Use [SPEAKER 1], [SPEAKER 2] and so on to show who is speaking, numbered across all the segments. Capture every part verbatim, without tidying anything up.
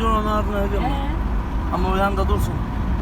[SPEAKER 1] videonun ardına edeceğim.
[SPEAKER 2] He.
[SPEAKER 1] Ama o yanında dursun.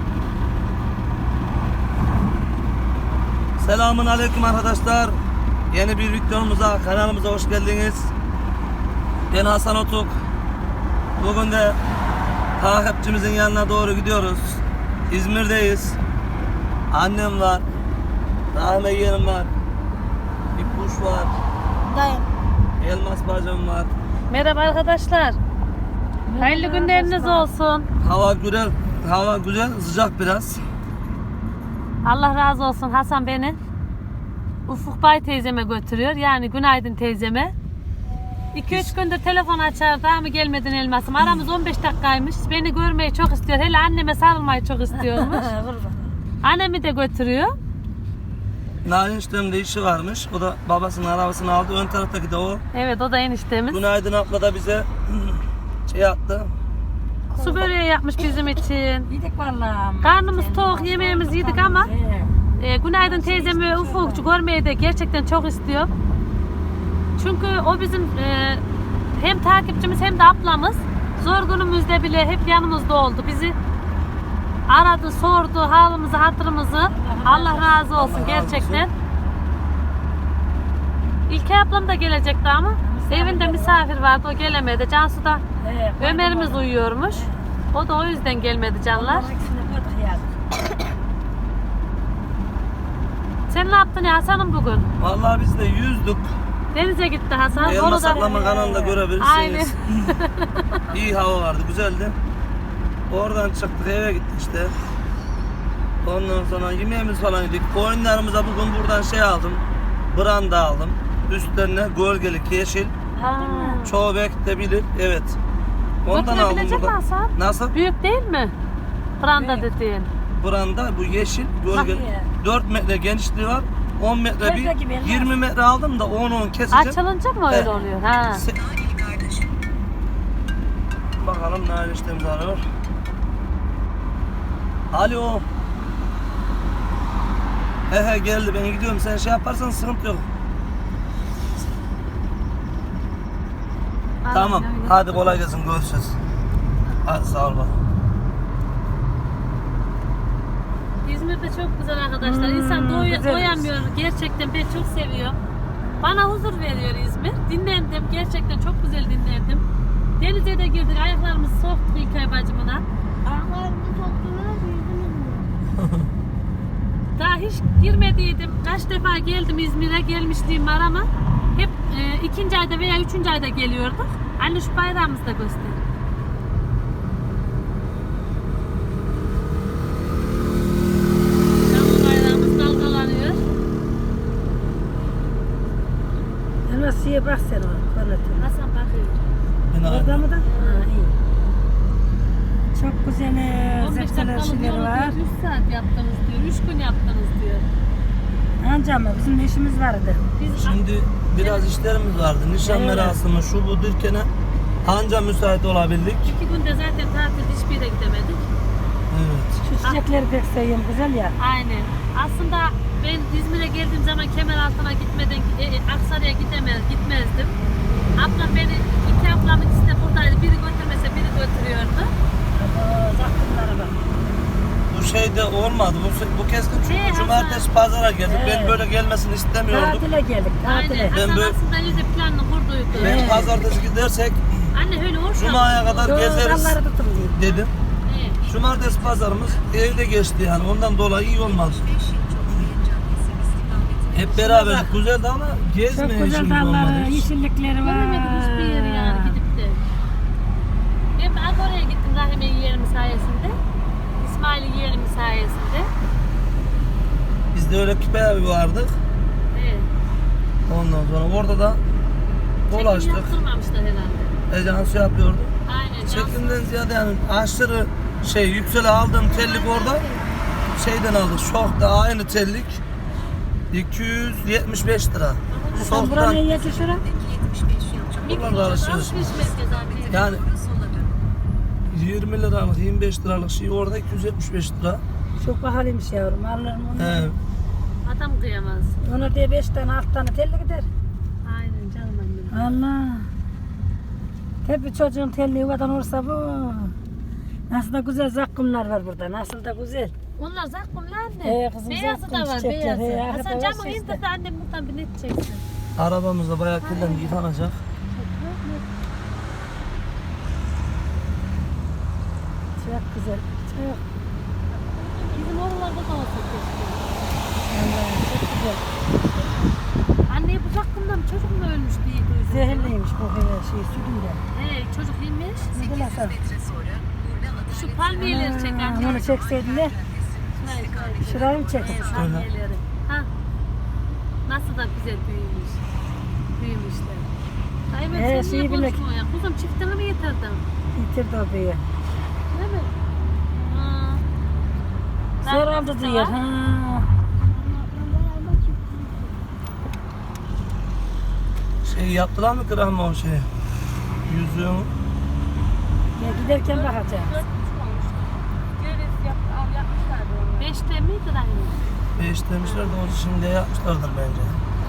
[SPEAKER 1] Selamun aleyküm arkadaşlar. Yeni bir videomuza, kanalımıza hoş geldiniz. Ben Hasan Otuk. Bugün de takipçimizin yanına doğru gidiyoruz. İzmir'deyiz. Annem var. Rahme yeğenim var. İpuş var.
[SPEAKER 2] Dayım.
[SPEAKER 1] Elmas bacım var.
[SPEAKER 3] Merhaba arkadaşlar. Hayırlı günleriniz olsun.
[SPEAKER 1] Hava güzel, hava güzel, sıcak biraz.
[SPEAKER 3] Allah razı olsun. Hasan beni Ufuk Bay teyzeme götürüyor. Yani Günaydın teyzeme. iki üç gündür telefon açar, daha mı gelmedin Elmas'ım? Aramız on beş dakikaymış. Beni görmeyi çok istiyor. Hele anneme sarılmayı çok istiyormuş. Annemi de götürüyor.
[SPEAKER 1] Narin işlemde işi varmış. O da babasının arabasını aldı. Ön taraftaki de o.
[SPEAKER 3] Evet, o da eniştemiz.
[SPEAKER 1] Günaydın abla da bize şey attı.
[SPEAKER 3] Su böreği yapmış bizim için.
[SPEAKER 2] Yedik vallahi.
[SPEAKER 3] Karnımız tok, yemeğimizi yedik ama
[SPEAKER 2] He.
[SPEAKER 3] e, Günaydın teyzemi ve Ufukçu görmeyi de gerçekten çok istiyor. Çünkü o bizim e, hem takipçimiz hem de ablamız. Zor günümüzde bile hep yanımızda oldu. Bizi aradı, sordu halimizi, hatırımızı. Allah razı olsun
[SPEAKER 1] Allah razı
[SPEAKER 3] gerçekten. İlkay ablam da gelecekti ama evinde misafir vardı, o gelemedi. Cansu da
[SPEAKER 2] He.
[SPEAKER 3] Ömer'imiz uyuyormuş. O da o yüzden gelmedi canlar. Sen ne yaptın ya Hasan'ım bugün?
[SPEAKER 1] Vallahi biz de yüzdük.
[SPEAKER 3] Denize gitti Hasan.
[SPEAKER 1] Elmas
[SPEAKER 3] Onu da...
[SPEAKER 1] ablama kanalında görebilirsiniz.
[SPEAKER 3] Aynen.
[SPEAKER 1] İyi hava vardı, güzeldi. Oradan çıktık, eve gittik işte. Ondan sonra yemeğimiz falan yedik. Koyunlarımıza bugün buradan şey aldım. Branda aldım. Üstlerine gölgelik yeşil.
[SPEAKER 3] Ha.
[SPEAKER 1] Çoğu belki de bilir. Evet. Ondan aldım
[SPEAKER 3] Götürebilecek mi
[SPEAKER 1] burada.
[SPEAKER 3] Hasan?
[SPEAKER 1] Nasıl?
[SPEAKER 3] Büyük değil mi? Branda
[SPEAKER 2] Büyük.
[SPEAKER 3] dediğin.
[SPEAKER 1] Branda bu yeşil gölgelik.
[SPEAKER 2] Bak ya.
[SPEAKER 1] dört metre genişliği var. on metre bir.
[SPEAKER 2] Şöyle gibi Elmas.
[SPEAKER 1] yirmi metre aldım da on on keseceğim.
[SPEAKER 3] Açılınca mı öyle
[SPEAKER 1] He.
[SPEAKER 3] oluyor? Ha.
[SPEAKER 1] Se- Bakalım ne eniştemiz arıyor. Alo. He he geldi, ben gidiyorum, sen şey yaparsan sıkıntı yok. Tamam,
[SPEAKER 3] Aynen öyle.
[SPEAKER 1] hadi kolay gelsin, görüşürüz. Hadi sağ ol bak.
[SPEAKER 3] İzmir'de çok güzel arkadaşlar.
[SPEAKER 2] Hmm,
[SPEAKER 3] İnsan doy-
[SPEAKER 2] güzelmiş.
[SPEAKER 3] doyamıyor. Gerçekten ben çok seviyorum. Bana huzur veriyor İzmir. Dinlendim. Gerçekten çok güzel dinlendim. Denize de girdik. Ayaklarımızı soktuk İlkay bacımına. Daha hiç girmediydim. Kaç defa geldim İzmir'e, gelmişliğim var ama hep e, ikinci ayda veya üçüncü ayda geliyorduk. Anne şu bayrağımızı da göster. Şu bayrağımız dalgalanıyor.
[SPEAKER 2] Elmasıya bak sen o kornetine.
[SPEAKER 3] Hasan bakıyor.
[SPEAKER 1] Ben
[SPEAKER 2] Orada
[SPEAKER 1] arıyorum.
[SPEAKER 2] mı da? Ha, iyi. Çok güzel e,
[SPEAKER 3] on beş
[SPEAKER 2] zepseler
[SPEAKER 3] dakikalık
[SPEAKER 2] şeyleri
[SPEAKER 3] yolu
[SPEAKER 2] var.
[SPEAKER 3] diyor, üç saat yaptınız diyor, üç gün yaptınız diyor.
[SPEAKER 2] Anca mı? Bizim de işimiz vardı.
[SPEAKER 3] Biz
[SPEAKER 1] Şimdi biraz işlerimiz vardı. Nişan
[SPEAKER 2] Evet.
[SPEAKER 1] merasimi şu bu derken anca müsait olabildik.
[SPEAKER 3] iki günde zaten tatil hiçbir yere gidemedik.
[SPEAKER 1] Evet.
[SPEAKER 2] Şu çiçekleri pek seviyorum. Güzel ya.
[SPEAKER 3] Aynen. Aslında ben İzmir'e geldiğim zaman Kemeraltı'na gitmeden e, e, Aksaray'a gidemez, gitmezdim. Ablam beni, iki ablamın ikisi de buradaydı. Biri götürmese biri götürüyordu.
[SPEAKER 2] Zakkumlara bak.
[SPEAKER 1] Bu şey de olmadı. Bu, bu kez de çünkü
[SPEAKER 3] Hey,
[SPEAKER 1] cumartesi pazara geldik. Ben
[SPEAKER 2] Evet.
[SPEAKER 1] böyle gelmesini istemiyordum.
[SPEAKER 2] Tatile geldik. Tatile.
[SPEAKER 3] Aynen. Hasan
[SPEAKER 1] böyle-
[SPEAKER 3] aslında iyice planını kurduydu.
[SPEAKER 1] Ben
[SPEAKER 2] Evet.
[SPEAKER 1] pazartesi gidersek
[SPEAKER 3] Anne öyle olsa.
[SPEAKER 1] Cuma'ya kadar
[SPEAKER 2] Şu
[SPEAKER 1] gezeriz
[SPEAKER 2] dalları tutun diye.
[SPEAKER 1] dedim.
[SPEAKER 3] Evet.
[SPEAKER 1] Cumartesi pazarımız evde geçti yani, ondan dolayı iyi olmaz. Hep beraber güzeldi ama
[SPEAKER 2] Çok
[SPEAKER 1] gezmeye
[SPEAKER 2] güzel
[SPEAKER 1] işimiz olmadı
[SPEAKER 2] dalları,
[SPEAKER 1] hiç.
[SPEAKER 2] yeşillikleri var.
[SPEAKER 3] Göremedik hiçbir yeri yani gidip de. Ben de Agora'ya gittim Rahime yeğenim sayesinde. İsmail yeğenim sayesinde.
[SPEAKER 1] Biz de öyle küpe evi vardık.
[SPEAKER 3] Evet.
[SPEAKER 1] Ondan sonra orada da
[SPEAKER 3] Çekim
[SPEAKER 1] dolaştık.
[SPEAKER 3] yaptırmamışlar herhalde.
[SPEAKER 1] Ejans yapıyordu.
[SPEAKER 3] Aynen.
[SPEAKER 1] Çekimden ziyade yani aşırı şey yüksele aldığım tellik orada şeyden aldık. Şok'ta aynı tellik iki yüz yetmiş beş lira.
[SPEAKER 2] Sen buranın
[SPEAKER 1] Şok'tan
[SPEAKER 2] yiyesi şura?
[SPEAKER 1] buralarda alışveriş.
[SPEAKER 3] Alışveriş merkezi abi.
[SPEAKER 1] Yani yirmi liralık, yirmi beş liralık şey orada iki yüz yetmiş beş lira.
[SPEAKER 2] Çok pahalıymış yavrum. Alırım onu.
[SPEAKER 1] He.
[SPEAKER 3] Adam kıyamaz.
[SPEAKER 2] Ona diye beş tane, altı tane telli gider.
[SPEAKER 3] Aynen canım annem.
[SPEAKER 2] Allah. Hep bir çocuğun telli yuvadan olursa bu. Nasıl da güzel zakkumlar var burada. Nasıl da güzel.
[SPEAKER 3] Onlar zakkumlar anne.
[SPEAKER 2] He kızım,
[SPEAKER 3] Beyazı
[SPEAKER 2] zakkum
[SPEAKER 3] da var
[SPEAKER 2] çiçekler,
[SPEAKER 3] beyazı.
[SPEAKER 2] he,
[SPEAKER 3] Hasan
[SPEAKER 2] arkada
[SPEAKER 3] camı
[SPEAKER 2] var
[SPEAKER 3] indir
[SPEAKER 2] işte.
[SPEAKER 3] de annem buradan bir net çeksin.
[SPEAKER 1] Arabamız da bayağı kirlendi, yıkanacak.
[SPEAKER 2] Çok güzel. Çok.
[SPEAKER 3] Bizim oralarda da olsa keşke.
[SPEAKER 2] Vallahi çok güzel.
[SPEAKER 3] Anne bu zakkumdan çocuk mu ölmüş diye duydum.
[SPEAKER 2] Zehirliymiş bu her şey sütünde.
[SPEAKER 3] He çocuk yemiş.
[SPEAKER 2] Ne bileyim.
[SPEAKER 3] Şu palmiyeleri çek anne.
[SPEAKER 2] Onu çekseydin de
[SPEAKER 3] Şurayı şurayı.
[SPEAKER 2] şurayı mı çektin?
[SPEAKER 3] Palmiyeleri. Ha. Nasıl da güzel büyümüş. Büyümüşler. Ay ben
[SPEAKER 2] He,
[SPEAKER 3] sen
[SPEAKER 2] şeyi
[SPEAKER 3] niye
[SPEAKER 2] bilmek-
[SPEAKER 3] konuşmuyorsun ya? Kuzum çiftini mi getirdin?
[SPEAKER 2] Yitirdi o büyüğü.
[SPEAKER 3] Değil mi? Ha.
[SPEAKER 2] Zor
[SPEAKER 3] Daha
[SPEAKER 2] oldu
[SPEAKER 3] nasıl
[SPEAKER 2] diyor.
[SPEAKER 3] var?
[SPEAKER 2] Ha.
[SPEAKER 1] Şey yaptılar mı Kırahma o şeyi? Yüzüğü mü?
[SPEAKER 2] Ya giderken bakacağım.
[SPEAKER 3] Beşte miydi anne?
[SPEAKER 1] Beş demişler de onu şimdi yapmışlardır bence.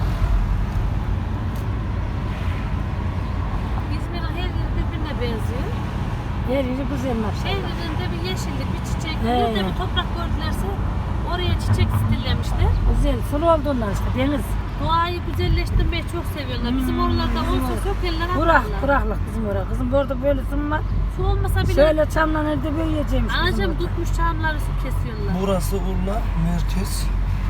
[SPEAKER 3] İzmir'in her yeri birbirine benziyor.
[SPEAKER 2] Her yeri güzel
[SPEAKER 3] Her
[SPEAKER 2] maşallah.
[SPEAKER 3] yerinde bir yeşillik, bir çiçek,
[SPEAKER 2] He.
[SPEAKER 3] bir de bir toprak gördülerse oraya çiçek stillemişler.
[SPEAKER 2] Güzel. Sulu olduğundan işte deniz.
[SPEAKER 3] Doğayı güzelleştirmeyi çok seviyorlar. Bizim oralarda olsa sökerler
[SPEAKER 2] Kurak,
[SPEAKER 3] atarlar.
[SPEAKER 2] kuraklık bizim orada. Kızım burada böylesin var.
[SPEAKER 3] Su olmasa bile
[SPEAKER 2] Şöyle çamla nerede büyüyeceğimiş. bizim
[SPEAKER 3] anacığım
[SPEAKER 2] orada.
[SPEAKER 3] tutmuş çamları su kesiyorlar.
[SPEAKER 1] Burası Urla merkez.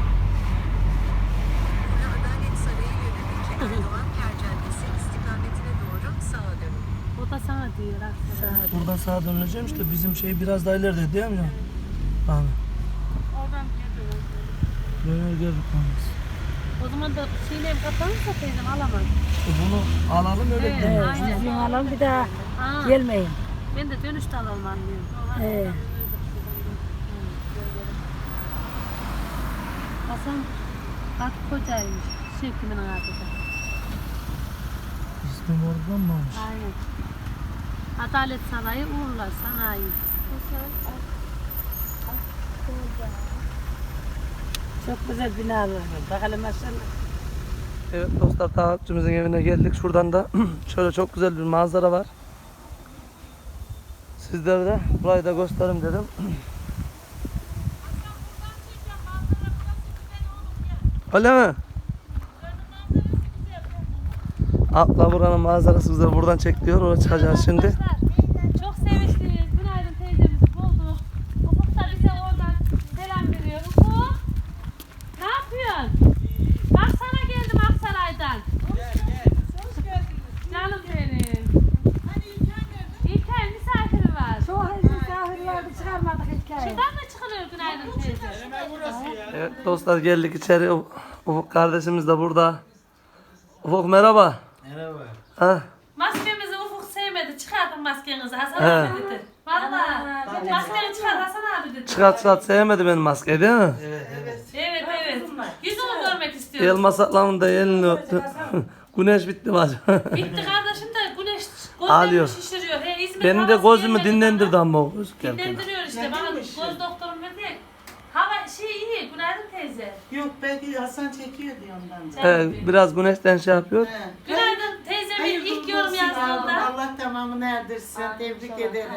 [SPEAKER 4] Adalet Sarayı yönelik Erdoğan Ker Caddesi istikametine doğru sağa dönün.
[SPEAKER 3] O da sana diyor aslında.
[SPEAKER 1] Buradan sağa dönüleceğim işte bizim şey biraz daha ileride değil mi? Abi.
[SPEAKER 3] Oradan gidiyor.
[SPEAKER 1] Döner geldik yalnız.
[SPEAKER 3] O zaman da şeyle kapanırsa teyzem alamam.
[SPEAKER 1] E bunu alalım öyle
[SPEAKER 3] Evet.
[SPEAKER 1] gidelim.
[SPEAKER 2] Evet,
[SPEAKER 3] Aynen.
[SPEAKER 2] yüzüğünü alalım bir daha
[SPEAKER 3] Ha,
[SPEAKER 2] gelmeyin.
[SPEAKER 3] ben de dönüşte alalım anlıyorum.
[SPEAKER 2] Ee,
[SPEAKER 3] Hasan bak kocaymış. Şevkimin adı da.
[SPEAKER 1] İsmim oradan mı olmuş?
[SPEAKER 3] Aynen. Adalet Sarayı Uğurlar Sanayi.
[SPEAKER 2] çok güzel binalar var. Bakalım maşallah.
[SPEAKER 1] Evet dostlar takipçimizin evine geldik. Şuradan da şöyle çok güzel bir manzara var. Sizlere de burayı da göstereyim dedim. Öyle mi? Abla buranın manzarası güzel. Buradan çek diyor. Oraya çıkacağız şimdi.
[SPEAKER 3] Arkadaşlar, çok sevinçliyiz. Günaydın teyzemizi bulduk. Ufuk da bize oradan selam veriyor. Ufuk, ne yapıyorsun? Bak sana geldim Aksaray'dan.
[SPEAKER 5] Gel gel. Hoş geldiniz.
[SPEAKER 3] Canım benim.
[SPEAKER 5] Hani İlker nerede?
[SPEAKER 3] İlker misafiri var.
[SPEAKER 2] Çok misafir vardı çıkarmadık hikaye.
[SPEAKER 3] Şuradan mı çıkılıyor günaydın teyze?
[SPEAKER 5] Hemen burası ya.
[SPEAKER 1] Evet dostlar geldik içeri. Ufuk kardeşimiz de burada. Ufuk merhaba.
[SPEAKER 5] Merhaba.
[SPEAKER 1] Ha?
[SPEAKER 3] Maskemizi Ufuk sevmedi. Çıkartın maskenizi Hasan
[SPEAKER 1] He.
[SPEAKER 3] abi dedi. Valla. Maskeni çıkar Hasan abi dedi.
[SPEAKER 1] Çıkart çıkart sevmedi benim maskeyi değil mi?
[SPEAKER 5] Evet evet.
[SPEAKER 3] Evet evet. Yüzünü görmek istiyorum.
[SPEAKER 1] Elmas ablamın da elini öptü. Güneş bitti mi acaba?
[SPEAKER 3] Bitti kardeşim de güneş
[SPEAKER 1] Ağlıyor.
[SPEAKER 3] gözlerimi şişiriyor. He, İzmir
[SPEAKER 1] Benim de
[SPEAKER 3] havası
[SPEAKER 1] gözümü
[SPEAKER 3] gelmedi
[SPEAKER 1] dinlendirdi
[SPEAKER 3] bana.
[SPEAKER 1] ama o göz geldi.
[SPEAKER 3] Dinlendiriyor işte. Bana
[SPEAKER 5] Neymiş?
[SPEAKER 3] göz doktorum dedi. ya, Hava şey iyi. Günaydın teyze.
[SPEAKER 6] Yok belki Hasan çekiyor diye ondan. da.
[SPEAKER 1] Evet, biraz güneşten şey yapıyor.
[SPEAKER 6] He.
[SPEAKER 3] Günaydın teyzemin
[SPEAKER 6] Hayırlı
[SPEAKER 3] ilk
[SPEAKER 6] uğurlu
[SPEAKER 3] yorum
[SPEAKER 6] olsun
[SPEAKER 3] yazdığında.
[SPEAKER 6] yavrum. Allah tamamını erdirsin. Tebrik ederim.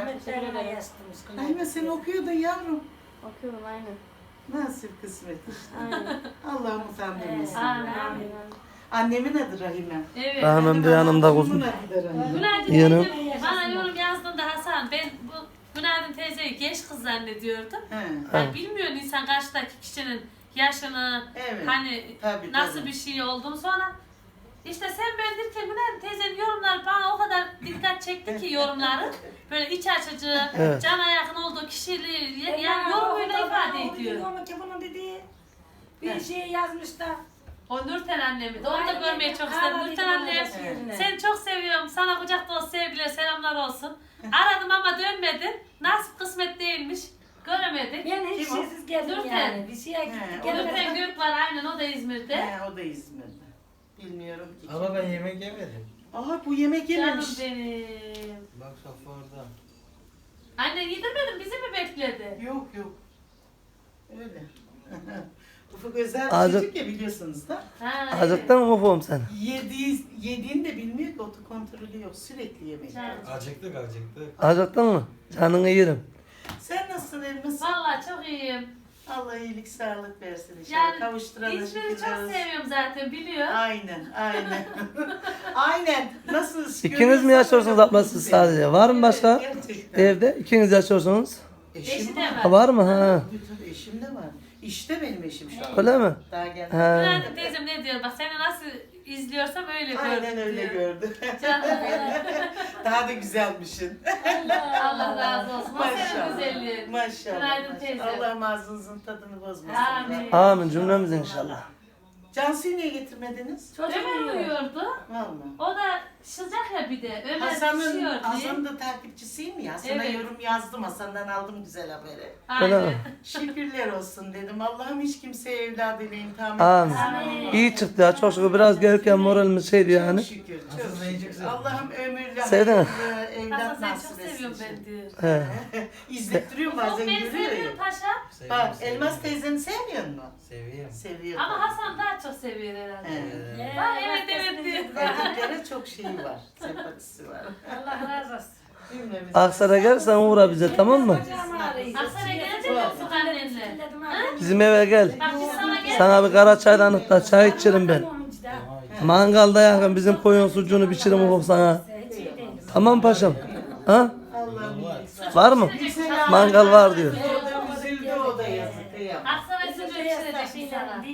[SPEAKER 6] Aynen sen okuyordun yavrum.
[SPEAKER 3] Okuyorum aynen.
[SPEAKER 6] Nasip kısmet işte. Allah'ım utandırmasın.
[SPEAKER 3] Amin.
[SPEAKER 6] Annemin adı Rahime.
[SPEAKER 3] Evet.
[SPEAKER 1] Rahmim de yanımda
[SPEAKER 6] Kızımın
[SPEAKER 1] kuzum.
[SPEAKER 6] adı da Rahime.
[SPEAKER 3] Günaydın
[SPEAKER 1] Yanım.
[SPEAKER 3] teyze. Bana yorum yazdığında Hasan ben bu Günaydın teyzeyi genç kız zannediyordum.
[SPEAKER 6] He.
[SPEAKER 3] Yani bilmiyor insan karşıdaki kişinin yaşını,
[SPEAKER 6] Evet.
[SPEAKER 3] hani
[SPEAKER 6] Tabii,
[SPEAKER 3] nasıl
[SPEAKER 6] tabii.
[SPEAKER 3] bir şey olduğunu sonra işte sen ben derken Günaydın teyzenin yorumları bana o kadar dikkat çekti ki yorumları. Böyle iç açıcı,
[SPEAKER 1] Evet.
[SPEAKER 3] cana yakın olduğu kişiliği yani yorumuyla ifade ediyor.
[SPEAKER 2] Onu ki bunun dediği bir şey yazmış da.
[SPEAKER 3] O Nurten annemi de onu da
[SPEAKER 2] Aynen.
[SPEAKER 3] görmeyi çok istedim.
[SPEAKER 2] Ağladı
[SPEAKER 3] Nurten
[SPEAKER 2] gibi
[SPEAKER 3] annem
[SPEAKER 2] olacak yerine.
[SPEAKER 3] seni çok seviyorum. Sana kucak dolusu sevgiler, selamlar olsun. Aradım ama dönmedin. Nasip kısmet değilmiş. Göremedik.
[SPEAKER 2] Ben hiç
[SPEAKER 6] Kim o?
[SPEAKER 2] şeysiz geldim
[SPEAKER 3] Nurten.
[SPEAKER 2] yani. Bir şeye
[SPEAKER 6] He,
[SPEAKER 2] gittik
[SPEAKER 6] o da
[SPEAKER 3] Nurten
[SPEAKER 2] gelmedik.
[SPEAKER 3] Gök var aynen o da İzmir'de.
[SPEAKER 6] He, o da İzmir'de. Bilmiyorum ki.
[SPEAKER 5] Ama ben yemek yemedim.
[SPEAKER 6] Aha bu yemek
[SPEAKER 3] Canım
[SPEAKER 6] yememiş.
[SPEAKER 3] benim.
[SPEAKER 5] Bak Safa orada.
[SPEAKER 3] Anne yedirmedin bizi mi bekledi?
[SPEAKER 6] Yok yok. Öyle. Ufuk özel
[SPEAKER 1] Azıcık-
[SPEAKER 6] çocuk ya biliyorsunuz da.
[SPEAKER 3] Ha,
[SPEAKER 1] Acıktın mı ufum sen?
[SPEAKER 6] Yediği, yediğini de bilmiyor ki otokontrolü yok. Sürekli yemek.
[SPEAKER 5] Acıktık acıktık.
[SPEAKER 1] Acıktın mı? Canını yerim.
[SPEAKER 6] Sen nasılsın Elmas?
[SPEAKER 3] Vallahi çok iyiyim.
[SPEAKER 6] Allah iyilik sağlık versin inşallah.
[SPEAKER 3] Yani
[SPEAKER 6] Kavuşturalım.
[SPEAKER 3] İzmir'i çok seviyorum zaten biliyor.
[SPEAKER 6] Aynen, aynen. Aynen. Nasıl?
[SPEAKER 1] İkiniz mi yaşıyorsunuz abla siz sadece? Var mı başka?
[SPEAKER 6] Gerçekten.
[SPEAKER 1] Evde ikiniz yaşıyorsunuz.
[SPEAKER 6] Eşim
[SPEAKER 3] Eşi de
[SPEAKER 6] var.
[SPEAKER 3] var.
[SPEAKER 1] Ha, var mı? Ha.
[SPEAKER 6] Tabii tabii eşim de var. İşte benim eşim şu an.
[SPEAKER 1] Öyle mi?
[SPEAKER 6] Daha geldi.
[SPEAKER 1] Ha.
[SPEAKER 3] Günaydın teyzem ne diyor? Bak seni nasıl izliyorsam öyle gördüm
[SPEAKER 6] Aynen öyle
[SPEAKER 3] diyor.
[SPEAKER 6] gördü.
[SPEAKER 3] Canım
[SPEAKER 6] Daha da güzelmişsin.
[SPEAKER 3] Allah razı olsun. O senin
[SPEAKER 6] Maşallah.
[SPEAKER 3] güzelliğin.
[SPEAKER 6] Maşallah.
[SPEAKER 3] Günaydın
[SPEAKER 6] maşallah.
[SPEAKER 3] teyze.
[SPEAKER 6] Allah ağzınızın tadını bozmasın.
[SPEAKER 3] Amin.
[SPEAKER 1] Amin cümlemiz inşallah.
[SPEAKER 6] Cansu'yu niye getirmediniz?
[SPEAKER 3] Ömer uyuyordu.
[SPEAKER 6] Vallahi.
[SPEAKER 3] O da sıcak ya bir de. Ömer
[SPEAKER 6] Hasan'ın,
[SPEAKER 3] düşüyor diye.
[SPEAKER 6] Hasan'ın da takipçisiyim ya. Sana
[SPEAKER 3] Evet.
[SPEAKER 6] yorum yazdım. Hasan'dan aldım güzel haberi.
[SPEAKER 1] Öyle
[SPEAKER 3] Aynen.
[SPEAKER 1] mi?
[SPEAKER 6] Şükürler olsun dedim. Allah'ım hiç kimseye evladıyla imtihan
[SPEAKER 1] Amin.
[SPEAKER 6] etmesin.
[SPEAKER 1] İyi çıktı ya çok şükür. Biraz gelirken moralimiz şeydi
[SPEAKER 6] Çok
[SPEAKER 1] yani.
[SPEAKER 6] şükür. Çok
[SPEAKER 5] Hasan seni çok
[SPEAKER 6] şükür.
[SPEAKER 5] seviyor.
[SPEAKER 6] Allah'ım ömürlü
[SPEAKER 1] Sevdin mi?
[SPEAKER 6] hayırlı
[SPEAKER 3] Hasan
[SPEAKER 6] evlat
[SPEAKER 3] seni
[SPEAKER 6] nasip
[SPEAKER 3] çok
[SPEAKER 6] etsin.
[SPEAKER 3] seviyorum ben diyor.
[SPEAKER 1] He.
[SPEAKER 6] İzlettiriyor
[SPEAKER 3] Çok
[SPEAKER 6] bazen
[SPEAKER 3] beni
[SPEAKER 6] görüyor ya.
[SPEAKER 3] seviyor paşa.
[SPEAKER 6] Bak
[SPEAKER 5] Seviyorum,
[SPEAKER 6] Elmas
[SPEAKER 5] seviyorum.
[SPEAKER 6] teyzeni sevmiyor mu?
[SPEAKER 5] Seviyorum.
[SPEAKER 6] Seviyor.
[SPEAKER 3] Ama Hasan daha çok seviyor herhalde.
[SPEAKER 6] He.
[SPEAKER 3] Ha, evet evet diyor.
[SPEAKER 6] Erkeklere çok şeyi var. Sempatisi var.
[SPEAKER 2] Allah razı olsun.
[SPEAKER 6] Cümlemiz.
[SPEAKER 1] Aksaray'a gelirsen uğra bize tamam mı?
[SPEAKER 3] Aksaray'a gelecek misin annenle?
[SPEAKER 1] Bizim eve gel.
[SPEAKER 3] Bak biz sana gel.
[SPEAKER 1] Sana bir kara çaydanlıkta çay içerim ben. Mangalda yakın bizim koyun sucuğunu biçirim ufuk sana. Tamam paşam. Ha?
[SPEAKER 6] Allah'ım iyilik sağlık.
[SPEAKER 1] Var mı? Mangal var diyor.
[SPEAKER 6] O da üzüldü o da yazık. Kıyamam.
[SPEAKER 3] Aksaray sucuğu içirecek sana.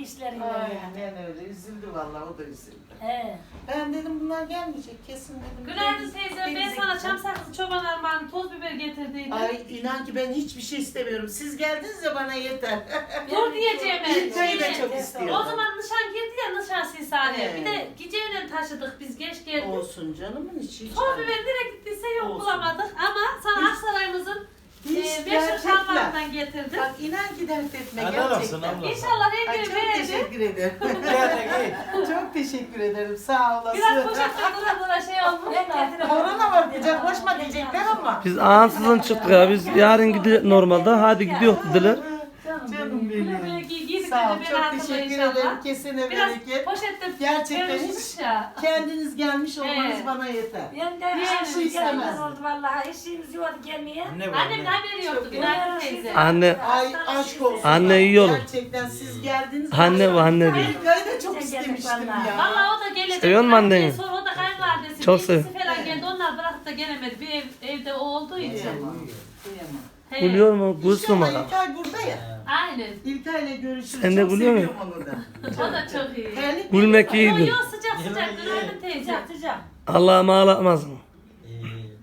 [SPEAKER 6] Aynen öyle. Üzüldü vallahi o da üzüldü.
[SPEAKER 2] He.
[SPEAKER 6] Ben dedim bunlar gelmeyecek kesin dedim.
[SPEAKER 3] Günaydın
[SPEAKER 6] Deniz-
[SPEAKER 3] teyze. Ben
[SPEAKER 6] denize
[SPEAKER 3] sana
[SPEAKER 6] gideceğim.
[SPEAKER 3] çam sakızı, çoban armağanı, toz biber getirdiydim.
[SPEAKER 6] Ay inan ki ben hiçbir şey istemiyorum. Siz geldiniz ya bana yeter.
[SPEAKER 3] Dur diyeceğim ben.
[SPEAKER 6] İlkay'ı da
[SPEAKER 3] Şeyi-
[SPEAKER 6] çok istiyordum.
[SPEAKER 3] O zaman nişan girdi ya nişan silsane.
[SPEAKER 6] Evet.
[SPEAKER 3] Bir de geceyle taşıdık biz geç geldik.
[SPEAKER 6] Olsun canımın içi. hiç
[SPEAKER 3] Toz
[SPEAKER 6] önemli.
[SPEAKER 3] biber direkt gittiyse yok
[SPEAKER 6] Olsun.
[SPEAKER 3] bulamadık ama sana
[SPEAKER 6] Hiç-
[SPEAKER 3] Aksaray'ımızın
[SPEAKER 6] Hiç
[SPEAKER 3] e, meşhur
[SPEAKER 6] gerçekten.
[SPEAKER 3] şalvarından getirdim.
[SPEAKER 6] Bak inan ki dert etme
[SPEAKER 5] Helal olsun
[SPEAKER 6] gerçekten.
[SPEAKER 5] abla.
[SPEAKER 3] İnşallah
[SPEAKER 6] Ay
[SPEAKER 3] rengini
[SPEAKER 6] çok
[SPEAKER 3] beğenir.
[SPEAKER 6] teşekkür ederim.
[SPEAKER 5] Gel de gel.
[SPEAKER 6] Çok teşekkür ederim. Sağ olasın.
[SPEAKER 3] Biraz poşette dura dura şey olmuş da.
[SPEAKER 6] Korona var kucaklaşma diyecekler ama.
[SPEAKER 1] Biz ansızın çıktık ya. Biz yarın gidiyor normalde. Hadi gidiyor dediler.
[SPEAKER 6] Canım benim.
[SPEAKER 3] Böyle giy- giydik
[SPEAKER 6] Sağ ol.
[SPEAKER 3] dedi, beni
[SPEAKER 6] Çok
[SPEAKER 3] hatırla
[SPEAKER 6] teşekkür
[SPEAKER 3] inşallah.
[SPEAKER 6] ederim. Kesene
[SPEAKER 3] Biraz
[SPEAKER 6] bereket.
[SPEAKER 3] poşette
[SPEAKER 6] Gerçekten
[SPEAKER 3] vermişmiş
[SPEAKER 6] hiç-
[SPEAKER 3] ya.
[SPEAKER 6] Kendiniz gelmiş olmanız
[SPEAKER 3] Evet.
[SPEAKER 6] bana yeter.
[SPEAKER 2] Ben de
[SPEAKER 3] Yani
[SPEAKER 2] işim
[SPEAKER 6] istemez.
[SPEAKER 2] gelmez oldu vallahi. İşimiz yoktu gelmeye.
[SPEAKER 5] Anne var
[SPEAKER 3] Annem de
[SPEAKER 5] anne.
[SPEAKER 3] haberi yoktu.
[SPEAKER 6] Çok
[SPEAKER 3] Günaydın teyze.
[SPEAKER 1] Anne.
[SPEAKER 6] Ay aşk olsun.
[SPEAKER 1] Anne iyi olun.
[SPEAKER 6] Gerçekten siz geldiniz.
[SPEAKER 1] Anne bu anne diyor.
[SPEAKER 6] İlkay'ı da çok
[SPEAKER 2] Sen
[SPEAKER 6] istemiştim
[SPEAKER 2] geldin vallahi.
[SPEAKER 6] ya.
[SPEAKER 3] Valla o da gelecek.
[SPEAKER 1] Seviyor musun anneni?
[SPEAKER 3] Sonra o da kayınvalidesi.
[SPEAKER 1] Çok
[SPEAKER 3] İkisi
[SPEAKER 1] sev-
[SPEAKER 3] falan geldi. Onlar bırakıp da gelemedi. Bir ev, evde o olduğu için.
[SPEAKER 6] Kıyamam. Kıyamam.
[SPEAKER 3] He.
[SPEAKER 1] Gülüyor mu? Gülsün
[SPEAKER 6] İnşallah
[SPEAKER 1] bana.
[SPEAKER 6] İlkay burada ya.
[SPEAKER 3] Aynen.
[SPEAKER 6] İlkay'la görüşürüz.
[SPEAKER 1] Sen de
[SPEAKER 6] Çok
[SPEAKER 1] gülüyor
[SPEAKER 6] seviyorum onu da.
[SPEAKER 3] O da çok iyi.
[SPEAKER 6] Terlik
[SPEAKER 1] Gülmek
[SPEAKER 3] Yo
[SPEAKER 1] iyidir.
[SPEAKER 3] yo sıcak sıcak. Günaydın teyze.
[SPEAKER 2] Sıcak sıcak.
[SPEAKER 1] Allah'ım ağlatmasın.
[SPEAKER 5] İyi.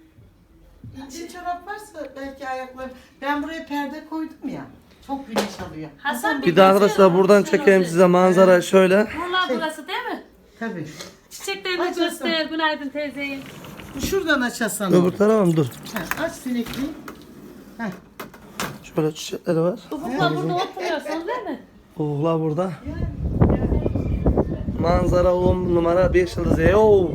[SPEAKER 6] İnce çorap varsa belki ayakları. Ben buraya perde koydum ya. Çok güneş alıyor.
[SPEAKER 3] Hasan
[SPEAKER 1] Bir de arkadaşlar buradan çekeyim size manzara şöyle.
[SPEAKER 3] Buralar burası değil mi?
[SPEAKER 6] Tabii.
[SPEAKER 3] Çiçeklerini
[SPEAKER 6] Açasın.
[SPEAKER 3] göster. Günaydın teyzeyi.
[SPEAKER 6] Şuradan açasan
[SPEAKER 1] Öbür
[SPEAKER 6] olur.
[SPEAKER 1] tarafa mı? Dur.
[SPEAKER 6] Ha, aç sinekliği. Heh.
[SPEAKER 1] Şöyle çiçekleri var.
[SPEAKER 3] Ufukla burada oturuyorsun değil mi?
[SPEAKER 1] Ufuklar burada. Manzara on numara beş yıldız. Yo.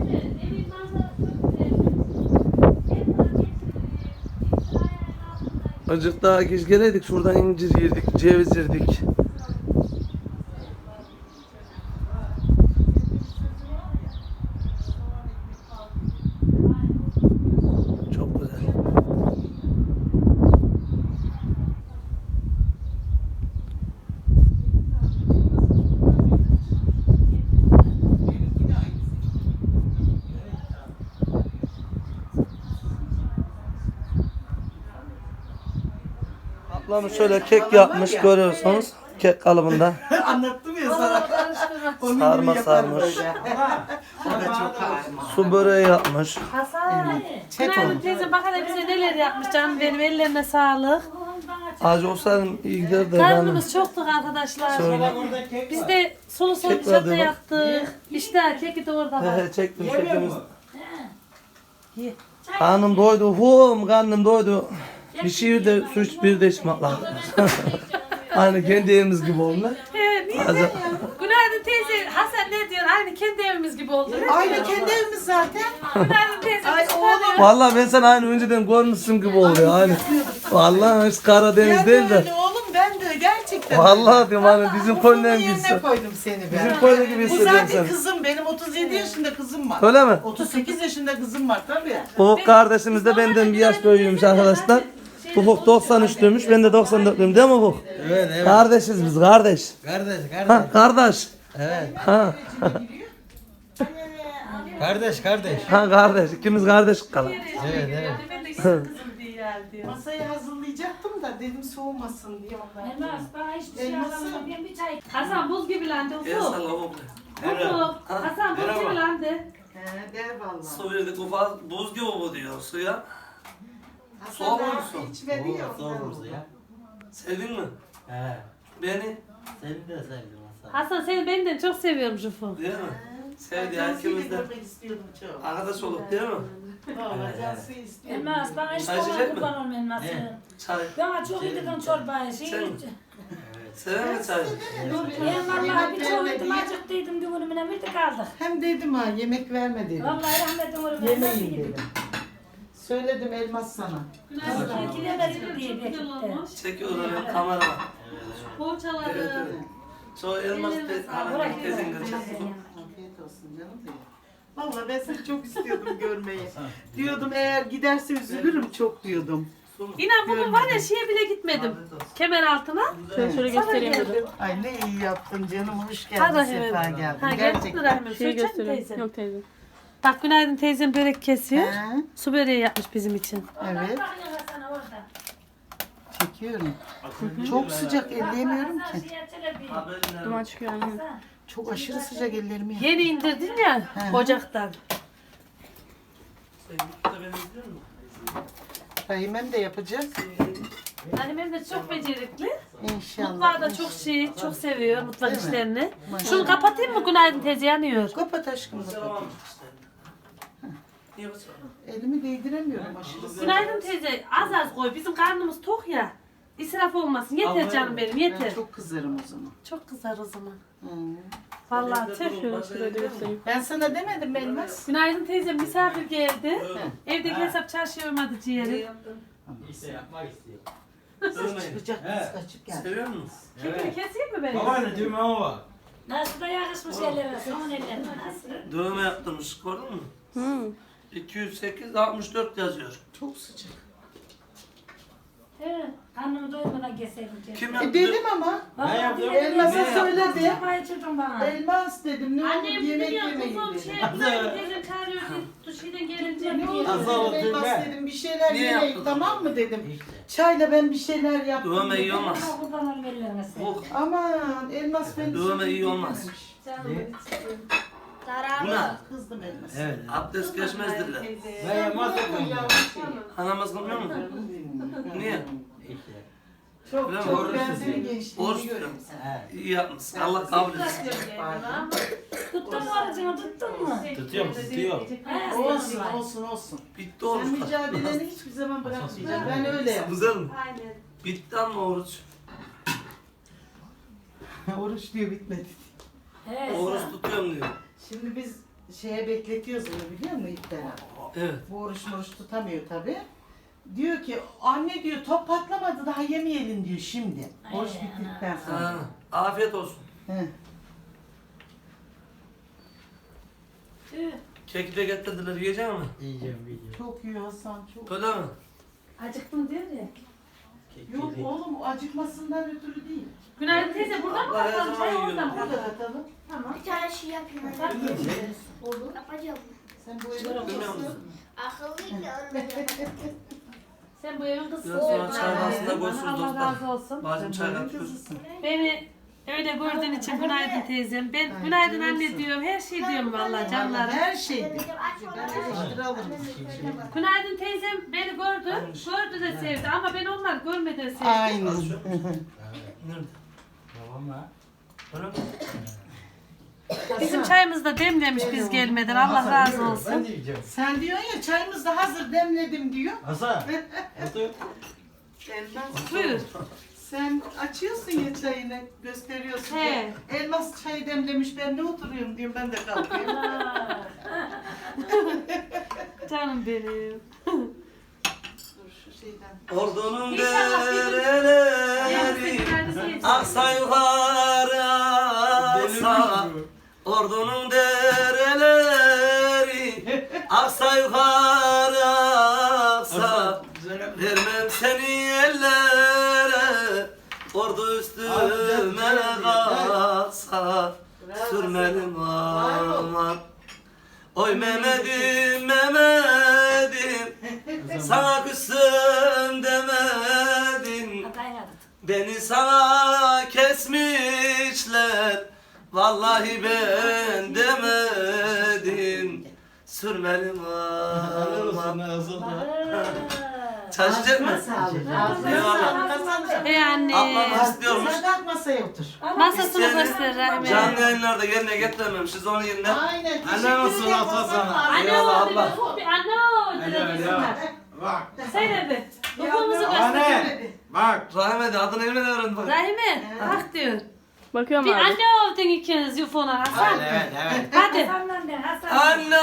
[SPEAKER 1] Azıcık daha geç geleydik. Şuradan incir yedik, ceviz yedik. Çok güzel. Ablam şöyle kek yapmış görüyorsunuz. Kek kalıbında.
[SPEAKER 6] Anlattım ya sana. Onun gibi
[SPEAKER 1] Sarma
[SPEAKER 6] yaparım
[SPEAKER 1] sarmış.
[SPEAKER 6] böyle. O da çok harika.
[SPEAKER 1] Su böreği yapmış.
[SPEAKER 3] Hasan.
[SPEAKER 6] Çek
[SPEAKER 3] Günaydın
[SPEAKER 6] onu.
[SPEAKER 3] teyze. Bak hele bize neler yapmış canım benim. Ellerine sağlık.
[SPEAKER 1] Acı olsaydım iyi giderdi.
[SPEAKER 3] Karnımız çoktuk arkadaşlar.
[SPEAKER 1] Şöyle.
[SPEAKER 5] Burada kek
[SPEAKER 3] Biz
[SPEAKER 5] var.
[SPEAKER 3] de sulu sulu
[SPEAKER 1] Kek var
[SPEAKER 3] köfte
[SPEAKER 1] değil mi?
[SPEAKER 3] yaptık. İşte keki de orada var.
[SPEAKER 1] He he çektim
[SPEAKER 5] Yemiyor
[SPEAKER 1] çektim.
[SPEAKER 5] mu?
[SPEAKER 1] Karnım doydu. Hum karnım doydu. Bir şey de su iç bir de içmek lazım. Aynı kendi evimiz gibi oldu.
[SPEAKER 3] He, niye
[SPEAKER 1] Azı-
[SPEAKER 3] ya? Günaydın teyze. Hasan ne diyor? Aynı kendi evimiz gibi oldu.
[SPEAKER 6] Aynı kendi evimiz zaten.
[SPEAKER 3] Günaydın teyze.
[SPEAKER 6] Ay
[SPEAKER 3] biz
[SPEAKER 6] oğlum.
[SPEAKER 3] tanıyoruz.
[SPEAKER 1] Vallahi ben sana aynı önceden görmüşsün gibi oluyor aynı. Vallahi hiç Karadeniz
[SPEAKER 6] Ben de
[SPEAKER 1] değil de.
[SPEAKER 6] öyle oğlum ben de gerçekten. istedim.
[SPEAKER 1] Vallahi diyorum hani bizim
[SPEAKER 6] Ufuk'un
[SPEAKER 1] koyunun
[SPEAKER 6] yerine
[SPEAKER 1] gibisi.
[SPEAKER 6] koydum seni ben.
[SPEAKER 1] Bizim koyun gibi
[SPEAKER 6] Bu
[SPEAKER 1] hissediyorum
[SPEAKER 6] zaten
[SPEAKER 1] seni.
[SPEAKER 6] kızım. Benim otuz yedi yaşında kızım var.
[SPEAKER 1] Öyle mi?
[SPEAKER 6] otuz sekiz yaşında kızım var tabii.
[SPEAKER 1] Ufuk kardeşimiz de benden bir yaş büyüğümüş arkadaşlar. Ufuk doksan üçlüymüş, ben de doksan dörtlüyüm değil mi Ufuk?
[SPEAKER 5] Evet evet.
[SPEAKER 1] Kardeşiz biz, kardeş.
[SPEAKER 5] Kardeş
[SPEAKER 1] Ha,
[SPEAKER 5] kardeş.
[SPEAKER 1] kardeş.
[SPEAKER 5] Evet.
[SPEAKER 1] Ha,
[SPEAKER 5] Kardeş kardeş.
[SPEAKER 1] ha kardeş. İkimiz kardeş kalır.
[SPEAKER 5] Evet evet.
[SPEAKER 3] Ben de kızım diye yer diyor.
[SPEAKER 6] Masayı hazırlayacaktım da dedim soğumasın diye ondan.
[SPEAKER 2] Elmas bana hiçbir şey
[SPEAKER 6] Elması.
[SPEAKER 2] alamam. Ben bir çay.
[SPEAKER 3] Hasan buz gibi landı
[SPEAKER 1] El
[SPEAKER 3] Ufuk.
[SPEAKER 1] salla Ufuk.
[SPEAKER 3] Ufuk. Hasan buz gibi landı.
[SPEAKER 6] He der vallahi.
[SPEAKER 1] Su verdik Ufuk, buz gibi bu diyor suya.
[SPEAKER 6] Hasan
[SPEAKER 1] Soğuk
[SPEAKER 6] daha
[SPEAKER 1] musun?
[SPEAKER 6] içmedi ya
[SPEAKER 5] Zor
[SPEAKER 6] ondan.
[SPEAKER 5] olurdu ya.
[SPEAKER 1] Sevdin mi?
[SPEAKER 5] He.
[SPEAKER 1] Beni.
[SPEAKER 5] Seni de sevdim Hasan.
[SPEAKER 3] Hasan seni benden çok seviyormuş Ufuk.
[SPEAKER 1] Değil mi? Sevdi
[SPEAKER 6] Ben Cansu'yu
[SPEAKER 1] ikimiz de.
[SPEAKER 6] görmek istiyordum çok.
[SPEAKER 1] Arkadaş olduk değil mi?
[SPEAKER 6] Vallahi Cansu'yu istiyordum.
[SPEAKER 2] Elmas bana hiç
[SPEAKER 1] Çay içecek
[SPEAKER 2] kolay
[SPEAKER 1] mi?
[SPEAKER 2] kurban olma elması.
[SPEAKER 5] Ne?
[SPEAKER 1] Çay.
[SPEAKER 2] Bana çok yedirdim çorbayı. Şey,
[SPEAKER 1] Sen mi?
[SPEAKER 5] Evet.
[SPEAKER 1] Sever mi çay?
[SPEAKER 2] ben vallahi bir çok yedim acıktıydım düğünümüne bir de kaldık.
[SPEAKER 6] Hem dedim ha yemek verme dedim.
[SPEAKER 2] Vallahi rahmetim uğruna
[SPEAKER 6] Yemeyin dedim. Söyledim Elmas sana.
[SPEAKER 2] Vallahi gidemedim diye bekletti.
[SPEAKER 1] Çekiyor benim kamera var.
[SPEAKER 3] Poğaçaları.
[SPEAKER 1] Şu elmas te- hanım tezin kaçak.
[SPEAKER 6] Afiyet olsun canım benim. Vallahi ben seni çok istiyordum görmeyi. Diyordum eğer giderse üzülürüm çok diyordum.
[SPEAKER 3] İnan bugün var ya şeye bile gitmedim. Kemer altına.
[SPEAKER 6] Ben
[SPEAKER 3] şöyle göstereyim dedim.
[SPEAKER 6] Ay ne iyi yaptın canım hoş
[SPEAKER 3] Ha
[SPEAKER 6] geldin
[SPEAKER 3] Rahim.
[SPEAKER 6] sefa geldin.
[SPEAKER 3] Ha
[SPEAKER 6] Gerçekten.
[SPEAKER 3] gerçekten. Rahim. Şey göstereyim. Yok teyze. Bak günaydın teyzem börek kesiyor.
[SPEAKER 6] He,
[SPEAKER 3] Su böreği yapmış bizim için.
[SPEAKER 6] evet çekiyorum. Çok sıcak elleyemiyorum ki.
[SPEAKER 3] Duman çıkıyor anne.
[SPEAKER 6] Çok aşırı sıcak ellerimi yak.
[SPEAKER 3] Yeni indirdin ya
[SPEAKER 6] He.
[SPEAKER 3] ocaktan.
[SPEAKER 6] Rahimem de yapacak.
[SPEAKER 3] Annem de çok becerikli.
[SPEAKER 6] İnşallah.
[SPEAKER 3] Mutfağı da çok şey, çok seviyor mutfak
[SPEAKER 6] Değil mi?
[SPEAKER 3] işlerini.
[SPEAKER 6] Maşallah.
[SPEAKER 3] Şunu kapatayım mı günaydın teyze yanıyor.
[SPEAKER 6] Kapat aşkım kapat. Elimi değdiremiyorum aşırı sıcak.
[SPEAKER 3] Günaydın teyze az az koy bizim karnımız tok ya. İsraf olmasın yeter canım benim
[SPEAKER 6] Ben
[SPEAKER 3] yeter.
[SPEAKER 6] çok kızarım o zaman.
[SPEAKER 3] Çok kızar o zaman.
[SPEAKER 6] Hı.
[SPEAKER 3] Vallahi tüh.
[SPEAKER 6] Ben sana demedim mi Elmas?
[SPEAKER 3] Günaydın teyze misafir geldi. Evdeki hesap çarşıya uymadı ciğeri.
[SPEAKER 5] İşte yapmak istiyor.
[SPEAKER 6] Çıkacak kız kaçıp geldi.
[SPEAKER 1] Seviyor musun?
[SPEAKER 3] Kekini keseyim mi benim?
[SPEAKER 5] Babaanne düğme ama var.
[SPEAKER 2] Nasıl da yakışmış ellerine, son ellerine nasıl?
[SPEAKER 1] Dövme yaptırmış gördün mü? Hı. iki yüz sekiz altmış dört yazıyor.
[SPEAKER 6] Çok sıcak.
[SPEAKER 2] Evet, karnımı doymadan keseydim.
[SPEAKER 1] Kim
[SPEAKER 6] E
[SPEAKER 1] yaptı?
[SPEAKER 6] dedim ama.
[SPEAKER 5] Ben yaptım.
[SPEAKER 6] Elmas'a
[SPEAKER 1] Ne
[SPEAKER 6] söyledi.
[SPEAKER 2] Çorbayı içirdim bana.
[SPEAKER 6] Elmas dedim ne olur
[SPEAKER 3] Annem
[SPEAKER 6] yemek
[SPEAKER 3] dedi ya
[SPEAKER 6] yemeyin
[SPEAKER 3] kuzum
[SPEAKER 6] dedim.
[SPEAKER 3] şey günaydın teyzem çağırıyor diye duşiden gelince.
[SPEAKER 6] Ne olur
[SPEAKER 5] Nasıl
[SPEAKER 6] dedim
[SPEAKER 5] oldu
[SPEAKER 6] Elmas
[SPEAKER 5] be?
[SPEAKER 6] dedim bir şeyler
[SPEAKER 1] Niye
[SPEAKER 6] yemeyin
[SPEAKER 1] yaptın?
[SPEAKER 6] tamam mı dedim.
[SPEAKER 5] İşte.
[SPEAKER 6] Çayla ben bir şeyler yaptım.
[SPEAKER 1] Dövme iyi
[SPEAKER 6] dedim.
[SPEAKER 1] olmaz.
[SPEAKER 2] Ama kurban olma ellerine sen.
[SPEAKER 1] Bu
[SPEAKER 6] Aman Elmas beni
[SPEAKER 1] Dövme iyi
[SPEAKER 6] sürekli
[SPEAKER 1] olmaz.
[SPEAKER 6] dinlemiş.
[SPEAKER 1] bu ne?
[SPEAKER 6] Kızdım Elmas.
[SPEAKER 5] Evet.
[SPEAKER 1] Abdest geçmezdirler.
[SPEAKER 5] Ben yapmaz
[SPEAKER 6] Bu
[SPEAKER 5] mıyım?
[SPEAKER 6] yavru şey.
[SPEAKER 1] Anamız kılmıyor mu? Niye?
[SPEAKER 5] İşte.
[SPEAKER 6] Çok
[SPEAKER 1] Öyle mi?
[SPEAKER 6] çok
[SPEAKER 5] Oruç
[SPEAKER 6] ben
[SPEAKER 5] tutuyor.
[SPEAKER 6] senin gençliğini
[SPEAKER 1] Oruç
[SPEAKER 6] görüyorum
[SPEAKER 1] tutuyor.
[SPEAKER 6] sen.
[SPEAKER 5] He.
[SPEAKER 1] İyi yapmışsın. Allah kabul etsin.
[SPEAKER 2] Tuttun mu aracını tuttun mu?
[SPEAKER 5] Tutuyorum tutuyorum.
[SPEAKER 2] He,
[SPEAKER 6] Olsun
[SPEAKER 2] sen-
[SPEAKER 6] olsun olsun.
[SPEAKER 1] Bitti
[SPEAKER 6] Sen
[SPEAKER 1] oruç.
[SPEAKER 6] mücadeleni hiçbir zaman bırakmayacaksın. Ben öyle yaptım.
[SPEAKER 1] Güzel mi?
[SPEAKER 3] Aynen.
[SPEAKER 1] Bitti ama oruç.
[SPEAKER 6] Oruç diyor bitmedi.
[SPEAKER 2] He,
[SPEAKER 1] Oruç tutuyorum diyor.
[SPEAKER 6] Şimdi biz şeye bekletiyoruz onu biliyor musun İpten'e?
[SPEAKER 1] Evet.
[SPEAKER 6] Bu oruç oruç tutamıyor tabi. Diyor ki anne diyor top patlamadı daha yemeyelim diyor şimdi. Oruç bittikten sonra.
[SPEAKER 1] Ha, afiyet olsun.
[SPEAKER 6] He.
[SPEAKER 2] Tüh,
[SPEAKER 1] Keki de getirdiler. Yiyecek mi?
[SPEAKER 5] Yiyeceğim yiyeceğim.
[SPEAKER 6] Çok yiyor Hasan çok.
[SPEAKER 1] Öyle mi?
[SPEAKER 2] acıktım diyor ya.
[SPEAKER 6] Yok oğlum acıkmasından ötürü değil.
[SPEAKER 3] Günaydın teyze buradan mı
[SPEAKER 1] Allah her
[SPEAKER 3] kapatalım?
[SPEAKER 1] zaman
[SPEAKER 3] Çay
[SPEAKER 1] yiyorum.
[SPEAKER 3] oradan mı?
[SPEAKER 6] Burada katalım.
[SPEAKER 2] Tamam.
[SPEAKER 7] Bir tane şey yapayım.
[SPEAKER 6] Olur.
[SPEAKER 7] Yapacağım.
[SPEAKER 6] Sen bu evde
[SPEAKER 1] Bilmiyor
[SPEAKER 6] otursun.
[SPEAKER 1] musun?
[SPEAKER 7] Akıllıyım da ölmeyeceğim.
[SPEAKER 3] Sen bu evin kızısın.
[SPEAKER 1] Biraz sonra çay bahsında
[SPEAKER 3] Allah
[SPEAKER 1] görüşürüz
[SPEAKER 3] razı
[SPEAKER 1] dostlar.
[SPEAKER 3] olsun.
[SPEAKER 1] Bacım çay katıyoruz.
[SPEAKER 3] Beni öyle gördüğün için günaydın teyzem. Ben günaydın anne diyorum. Her şey diyorum vallahi canlarım.
[SPEAKER 6] Her şey.
[SPEAKER 7] Aç
[SPEAKER 6] Ben eleştiri alırım.
[SPEAKER 3] Günaydın teyzem beni gördü. Gördü de sevdi ama ben onlar görmeden sevdim.
[SPEAKER 6] Aynen.
[SPEAKER 1] Nerede?
[SPEAKER 5] Tamam ha.
[SPEAKER 1] Öyle mi?
[SPEAKER 3] Bizim çayımızı da demlemiş biz gelmeden. Allah razı
[SPEAKER 5] Ben
[SPEAKER 3] olsun.
[SPEAKER 5] de yiyeceğim.
[SPEAKER 6] Sen diyorsun ya çayımız da hazır demledim diyor.
[SPEAKER 5] Hasan. Otur.
[SPEAKER 6] Elmas.
[SPEAKER 3] Buyur.
[SPEAKER 6] Sen açıyorsun ya çayını gösteriyorsun.
[SPEAKER 3] He.
[SPEAKER 6] Ya. Elmas çayı demlemiş ben ne oturuyorum diyorum ben de kalkıyorum.
[SPEAKER 3] Canım benim.
[SPEAKER 6] Dur şu şeyden.
[SPEAKER 1] Ordunun
[SPEAKER 3] İnşallah bir gün-
[SPEAKER 1] dereleri
[SPEAKER 3] Günaydın teyze.
[SPEAKER 1] ak Aksa yukarı aksa ordunun dereleri aksa yukarı aksa vermem seni ellere ordu üstüme kalksa sürmelim aman. Oy Mehmet'im Mehmet'im sana küstüm demedin. Beni sana kesmişler vallahi ben demedim. Sürmelim aman. Çalışacak mı? Eyvallah.
[SPEAKER 3] Hey anne.
[SPEAKER 1] Ablam istiyormuş.
[SPEAKER 6] Sen kalk masaya otur.
[SPEAKER 3] Masasını göster Rahime.
[SPEAKER 1] Canlı yayınlarda yerine getirememişiz onun yerine.
[SPEAKER 6] Aynen.
[SPEAKER 5] Anne nasıl atla sana?
[SPEAKER 3] Anne
[SPEAKER 1] Eyvallah
[SPEAKER 3] oldu.
[SPEAKER 1] abla.
[SPEAKER 3] Anne oldu.
[SPEAKER 5] Anne ya. Bak.
[SPEAKER 3] Söyle bir. Ufumuzu göster.
[SPEAKER 5] Anne. Bak.
[SPEAKER 1] Rahmet adını evine öğrendi bak.
[SPEAKER 3] Rahime. Bak diyor.
[SPEAKER 8] Bakıyorum
[SPEAKER 3] Bir
[SPEAKER 8] abi.
[SPEAKER 3] anne oldun ikiniz yufona Hasan.
[SPEAKER 5] Evet evet.
[SPEAKER 3] Hadi.
[SPEAKER 2] Hasan'la de Hasan.
[SPEAKER 1] Anno!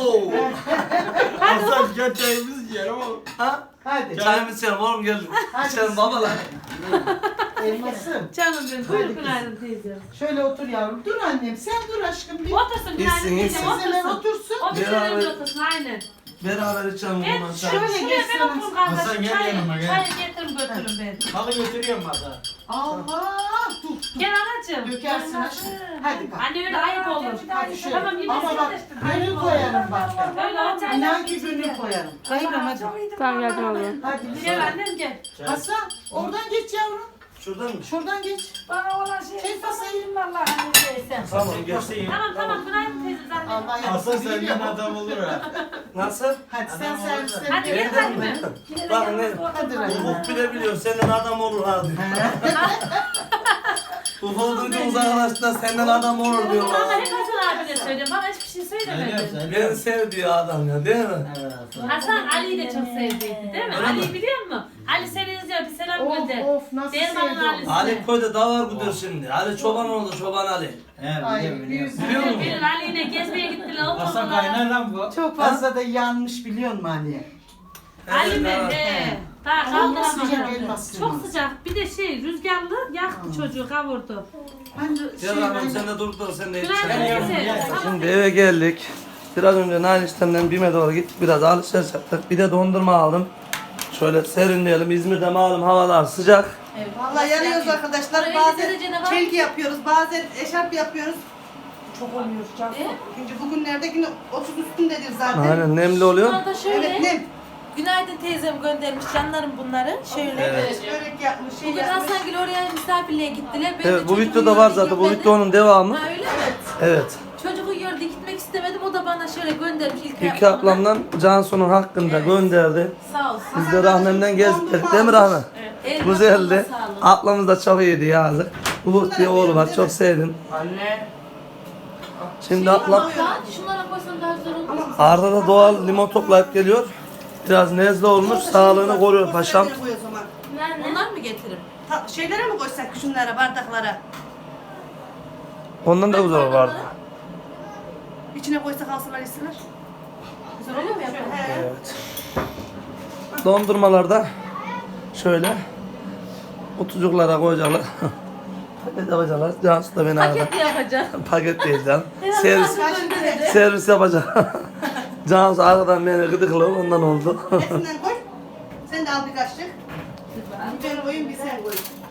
[SPEAKER 5] Hasan gel çayımızı yiyelim oğlum.
[SPEAKER 1] Ha?
[SPEAKER 6] Hadi.
[SPEAKER 1] Çayımı içelim oğlum geldim. İçelim babalar.
[SPEAKER 6] Elmasım.
[SPEAKER 3] Canım benim. Buyur günaydın teyze.
[SPEAKER 6] Şöyle otur yavrum. Dur annem. Sen dur aşkım. Bir
[SPEAKER 3] Otursun günaydın
[SPEAKER 1] İyisin,
[SPEAKER 3] teyze.
[SPEAKER 1] iyisin.
[SPEAKER 6] teyzeler
[SPEAKER 3] Otursun.
[SPEAKER 6] otursun.
[SPEAKER 3] O bir
[SPEAKER 1] Beraber-
[SPEAKER 3] önce otursun aynen.
[SPEAKER 1] Beraber içelim
[SPEAKER 3] Evet,
[SPEAKER 1] bundan
[SPEAKER 3] şöyle,
[SPEAKER 1] çay.
[SPEAKER 6] Şöyle
[SPEAKER 3] şuraya
[SPEAKER 6] geçsene.
[SPEAKER 3] ben oturum
[SPEAKER 5] Hasan
[SPEAKER 3] kardeşim.
[SPEAKER 5] gel
[SPEAKER 3] Çayı,
[SPEAKER 5] yanıma, gel.
[SPEAKER 3] çayı getirin götürün beni.
[SPEAKER 5] Halı götürüyorum hatta.
[SPEAKER 6] Allah. Dur. dur.
[SPEAKER 3] Gel anacığım.
[SPEAKER 6] Dökersin aşkım. Hadi kalk.
[SPEAKER 3] Anne öyle ayıp olur.
[SPEAKER 6] Hadi şöyle.
[SPEAKER 3] Tamam yine
[SPEAKER 6] Ama
[SPEAKER 3] sen
[SPEAKER 6] bak
[SPEAKER 3] de-
[SPEAKER 6] gönül koyarım bak.
[SPEAKER 3] Öyle olacak.
[SPEAKER 6] İnan ki gönül koyarım. Kayınım hadi.
[SPEAKER 8] Tamam geldim abla.
[SPEAKER 6] Hadi.
[SPEAKER 3] Gel annem gel.
[SPEAKER 6] Hasan oradan geç yavrum.
[SPEAKER 1] Şuradan mı?
[SPEAKER 6] Şuradan geç.
[SPEAKER 2] Bana olan şey
[SPEAKER 6] Çek masayı.
[SPEAKER 2] sayayım vallahi neyse.
[SPEAKER 1] Tamam gel.
[SPEAKER 5] Göstereyim.
[SPEAKER 3] Tamam tamam günaydın teyze zaten.
[SPEAKER 6] Allah
[SPEAKER 5] Hasan
[SPEAKER 6] yardım
[SPEAKER 5] senden adam olur ha.
[SPEAKER 1] Nasıl?
[SPEAKER 6] Hadi sen
[SPEAKER 5] Adam
[SPEAKER 6] servisleri
[SPEAKER 3] Hadi
[SPEAKER 6] gel.
[SPEAKER 3] gel hadi mi?
[SPEAKER 1] Bak ne?
[SPEAKER 6] Hadi Rahim.
[SPEAKER 1] Ufuk bile biliyor senden adam olur ha diyor. Ufuk duyduğumuz arkadaşlar senden adam olur diyor.
[SPEAKER 3] Ama hep Hasan abine söylüyorum. Bana hiçbir şey söylemedi.
[SPEAKER 1] Beni sev diyor adam ya değil mi?
[SPEAKER 3] Hasan Ali'yi de çok sevdiydi değil mi?
[SPEAKER 1] Öyle
[SPEAKER 3] Ali'yi
[SPEAKER 1] mi?
[SPEAKER 3] biliyor musun? Ali seni izliyor bir selam
[SPEAKER 6] Of
[SPEAKER 3] gönder.
[SPEAKER 6] of nasıl
[SPEAKER 3] Dermanın
[SPEAKER 6] sevdim.
[SPEAKER 3] Ali'si.
[SPEAKER 1] Ali köyde davar gidiyor şimdi. Ali çoban oldu çoban Ali.
[SPEAKER 5] He
[SPEAKER 6] Ay
[SPEAKER 5] biliyorum biliyorum.
[SPEAKER 6] yüz.
[SPEAKER 1] Biliyor musun?
[SPEAKER 3] Bir Ali ile gezmeye gittiler.
[SPEAKER 5] Hasan
[SPEAKER 3] Oturdular.
[SPEAKER 5] kaynar lan bu.
[SPEAKER 6] Çok fazla da yanmış biliyor musun Ali?
[SPEAKER 3] Ali mi?
[SPEAKER 1] Evet,
[SPEAKER 3] He. Daha
[SPEAKER 6] Ama nasıl sıcak
[SPEAKER 3] kaldıramadı.
[SPEAKER 6] elmas
[SPEAKER 3] Çok
[SPEAKER 6] sığmaz.
[SPEAKER 3] sıcak. Bir de şey rüzgarlı yaktı çocuğu kavurdu.
[SPEAKER 6] Ben de
[SPEAKER 1] Gel
[SPEAKER 6] şey
[SPEAKER 1] Rahmet
[SPEAKER 6] ben
[SPEAKER 1] sen de dur dur sen de iç.
[SPEAKER 3] Günaydın
[SPEAKER 5] Gel,
[SPEAKER 3] teyze.
[SPEAKER 5] gel.
[SPEAKER 3] Tamam.
[SPEAKER 1] Şimdi eve geldik. Biraz önce Nail işlemden BİM'e doğru gittik. Biraz alışveriş yaptık. Bir de dondurma aldım. Şöyle serinleyelim. İzmir'de malum havalar sıcak.
[SPEAKER 9] Vallahi yanıyoruz arkadaşlar. Bazen çelgi yapıyoruz, bazen eşarp yapıyoruz.
[SPEAKER 2] Çok oluyor canım.
[SPEAKER 9] Şimdi bugünlerde yine otuz üstündedir zaten.
[SPEAKER 1] Aynen nemli oluyor.
[SPEAKER 3] Sonra da şöyle.
[SPEAKER 9] Evet, nem.
[SPEAKER 8] Günaydın teyzem göndermiş canlarım bunları. Şöyle.
[SPEAKER 1] Evet.
[SPEAKER 9] Börek yapmış, şey
[SPEAKER 8] Bugün
[SPEAKER 9] yapmış.
[SPEAKER 8] Hasan oraya misafirliğe gittiler. Ben
[SPEAKER 1] Evet
[SPEAKER 8] de
[SPEAKER 1] bu
[SPEAKER 8] çocuğu
[SPEAKER 1] videoda var
[SPEAKER 8] yolda
[SPEAKER 1] zaten. Bu
[SPEAKER 8] gitmedim.
[SPEAKER 1] videonun devamı.
[SPEAKER 8] Ha öyle mi?
[SPEAKER 1] Evet.
[SPEAKER 8] Çocuğu yolda gitmek istemedim. O da bana şöyle göndermiş ilk
[SPEAKER 1] İlki ablamdan Cansu'nun hakkında gönderdi.
[SPEAKER 8] Sağ olsun.
[SPEAKER 1] Biz de rahmemden gezdik değil mi Rahmi?
[SPEAKER 8] Evet.
[SPEAKER 1] Güzeldi.
[SPEAKER 8] Sağ olun.
[SPEAKER 1] Ablamız da çok iyiydi yazık. Ufuk diye oğlu var çok sevdim.
[SPEAKER 5] Anne.
[SPEAKER 1] Şimdi ablam
[SPEAKER 8] Hatta şunlara koysan daha güzel olur.
[SPEAKER 1] Arda da doğal limon toplayıp geliyor. Biraz nezle olmuş sağlığını koruyor paşam.
[SPEAKER 9] Koy o zaman.
[SPEAKER 8] Onlar mı getiririm?
[SPEAKER 9] Ta- şeylere mi koysak şunlara, bardaklara?
[SPEAKER 1] Ondan da güzel vardı.
[SPEAKER 9] İçine koysak alsınlar yesinler.
[SPEAKER 8] Güzel oluyor mu yapalım?
[SPEAKER 1] Evet. Dondurmalarda şöyle kutucuklara koyacaklar. Paket yapacaklar. Cansu da beni aradı.
[SPEAKER 8] Paket yapacağım.
[SPEAKER 1] Paket değil canım. Servis, servis yapacak. Cansu arkadan beni gıdıklı ondan oldu.
[SPEAKER 9] Hepsinden koy. Sen de al bir kaşık. Bir ben koyayım, bir sen koy.